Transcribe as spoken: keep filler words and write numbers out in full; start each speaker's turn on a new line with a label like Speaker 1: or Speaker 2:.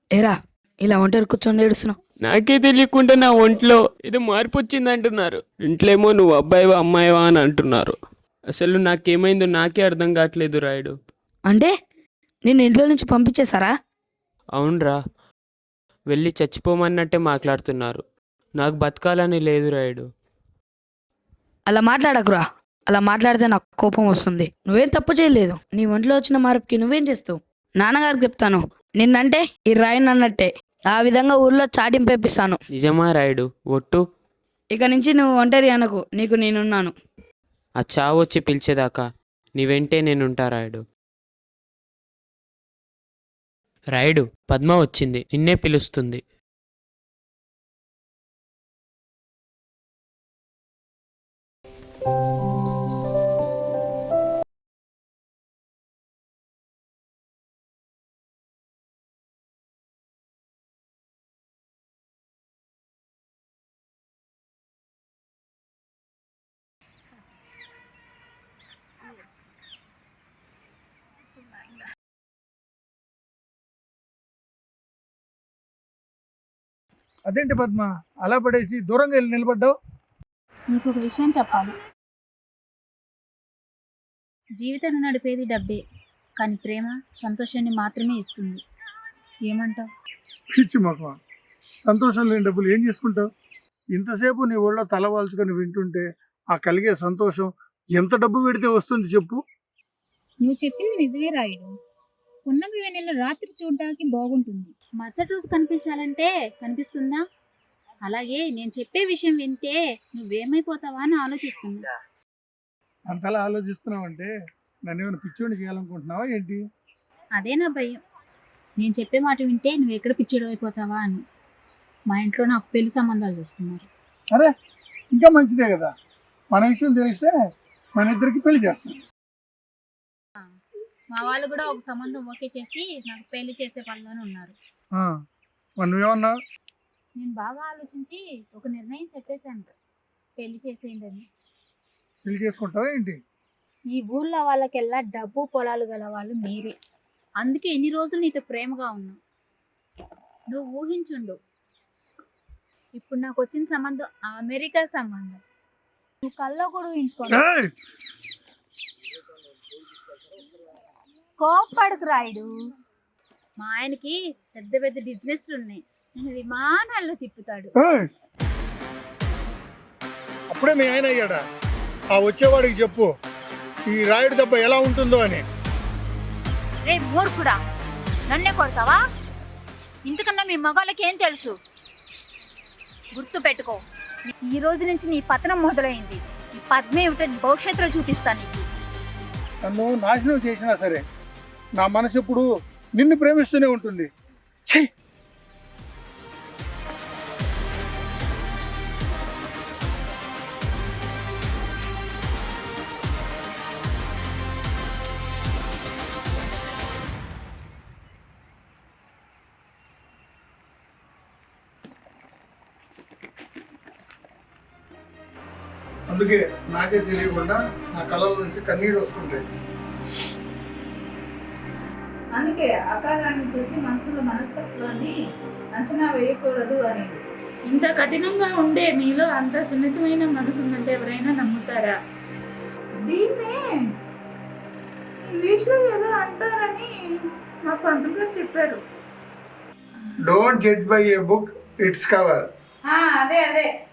Speaker 1: ఏరా ఇలా ఒంటరి కూర్చొని ఏడుస్తున్నావు?
Speaker 2: నాకే తెలియకుండా నా ఒంట్లో ఏదో మార్పు వచ్చింది అంటున్నారు. ఇంట్లేమో నువ్వు అబ్బాయివా అమ్మాయివా అని అంటున్నారు. అసలు నాకేమైందో నాకే అర్థం కావట్లేదు రాయుడు.
Speaker 1: అంటే నిన్ను ఇంట్లో నుంచి పంపించేశారా?
Speaker 2: అవునరా, వెళ్ళి చచ్చిపోమన్నట్టే మాట్లాడుతున్నారు. నాకు బతకాలని లేదు రాయుడు.
Speaker 1: అలా మాట్లాడకురా. అలా మాట్లాడితే నాకు కోపం వస్తుంది. నువ్వేం తప్పు చేయలేదు. నీ ఒంట్లో వచ్చిన మార్పుకి నువ్వేం చేస్తావు? నాన్నగారికి చెప్తాను, నిన్నంటే ఈ రాయుడు అన్నట్టే. ఆ విధంగా ఊర్లో చాటింపేపిస్తాను.
Speaker 2: నిజమా రాయుడు? ఒట్టు.
Speaker 1: ఇక నుంచి నువ్వు ఒంటరి అనకు, నీకు నేనున్నాను.
Speaker 2: ఆ చావు వచ్చి పిలిచేదాకా నీ వెంటే నేనుంటా రాయుడు. రాయుడు, పద్మ వచ్చింది, నిన్నే పిలుస్తుంది.
Speaker 3: అదేంటి పద్మ, అలా పడేసి దూరంగా వెళ్ళి నిలబడ్డావు?
Speaker 4: నీకు ఒక విషయం చెప్పాలి. జీవితం నడిపేది డబ్బే, కానీ ప్రేమ సంతోషాన్ని మాత్రమే ఇస్తుంది. ఏమంటావు?
Speaker 3: పిచ్చి మొక్క, సంతోషం లేని డబ్బులు ఏం చేసుకుంటావు? ఇంతసేపు నీ ఒళ్ళో తల వాల్చుకొని వింటుంటే ఆ కలిగే సంతోషం ఎంత డబ్బు పెడితే వస్తుంది చెప్పు?
Speaker 4: నువ్వు చెప్పింది నిజమే రాయుడు. పున్నమి వెన్నెల రాత్రి చూడడానికి బాగుంటుంది, మరుసటి రోజు కనిపించాలంటే కనిపిస్తుందా? అలాగే నేను చెప్పే విషయం వింటే నువ్వేమైపోతావా అని ఆలోచిస్తున్నా.
Speaker 3: అంతలా ఆలోచిస్తున్నావు అంటే నన్ను ఏమైనా పిచ్చోని చేయాలనుకుంటున్నావా ఏంటి?
Speaker 4: అదే నా భయం. నేను చెప్పే మాట వింటే నువ్వు ఎక్కడ పిచ్చిడు అయిపోతావా అని. మా ఇంట్లో నాకు పెళ్లి సంబంధాలు చూస్తున్నారు.
Speaker 3: అరే, ఇంకా మంచిదే కదా. మన విషయం తెలిస్తే మన ఇద్దరికి పెళ్లి చేస్తాం.
Speaker 4: మా వాళ్ళు కూడా ఒక సంబంధం ఓకే చేసి నాకు పెళ్లి చేసే పనిలోనే ఉన్నారు.
Speaker 3: మరి నువ్వేమన్నావు?
Speaker 4: నేను బాగా ఆలోచించి ఒక నిర్ణయం చెప్పేశాను, పెళ్లి చేసేయండి అని.
Speaker 3: పెళ్లి చేసుకుంటావా ఏంటి?
Speaker 4: ఈ ఊళ్ళో వాళ్ళకెల్లా డబ్బు పొలాలు గల వాళ్ళు మీరే. అందుకే ఎన్ని రోజులు నీతో ప్రేమగా ఉన్నా. నువ్వు ఊహించుండు, ఇప్పుడు నాకు వచ్చిన సంబంధం అమెరికా సంబంధం. నువ్వు కల్లో కూడా ఊహించుకోండి. కోప్పడకు రాయుడు. మా ఆయనకి పెద్ద పెద్ద బిజినెస్లు ఉన్నాయి, నేను విమానాల్లో తిప్పుతాడు.
Speaker 3: అప్పుడే మీ ఆయన అయ్యాడా? ఆ వచ్చేవాడికి చెప్పు ఈ రాయుడు దెబ్బ ఎలా ఉంటుందో అని.
Speaker 4: రే మూర్ఖుడా, నన్నే కొడతావా? ఇంతకన్నా మీ మగాళ్ళకి ఏం తెలుసు? గుర్తు పెట్టుకో, ఈ రోజు నుంచి నీ పతనం మొదలైంది. ఈ పద్మ ఏమిటో భవిష్యత్తులో చూపిస్తాను నీకు.
Speaker 3: నన్ను నాశనం చేసినా సరే నా మనసు ఎప్పుడు నిన్ను ప్రేమిస్తూనే ఉంటుంది. ఛీ! అందుకే నాకే తెలియకుండా నా కళ్ళ నుంచి కన్నీళ్ళు వస్తుంటాయి.
Speaker 5: అందుకే ఆకారాన్ని చూసి మనసులో మనస్తత్వాన్ని అంచనా వేయకూడదు అనేది. ఇంత కఠినంగా ఉండే మీలో అంత సున్నితమైన మనసు ఉందంటే ఎవరైనా నమ్ముతారా? దీన్నే ఇంగ్లీష్లో ఏదో అంటారని మా పంతులు గారు చెప్పారు.
Speaker 3: Don't judge by a book its cover.
Speaker 5: అదే అదే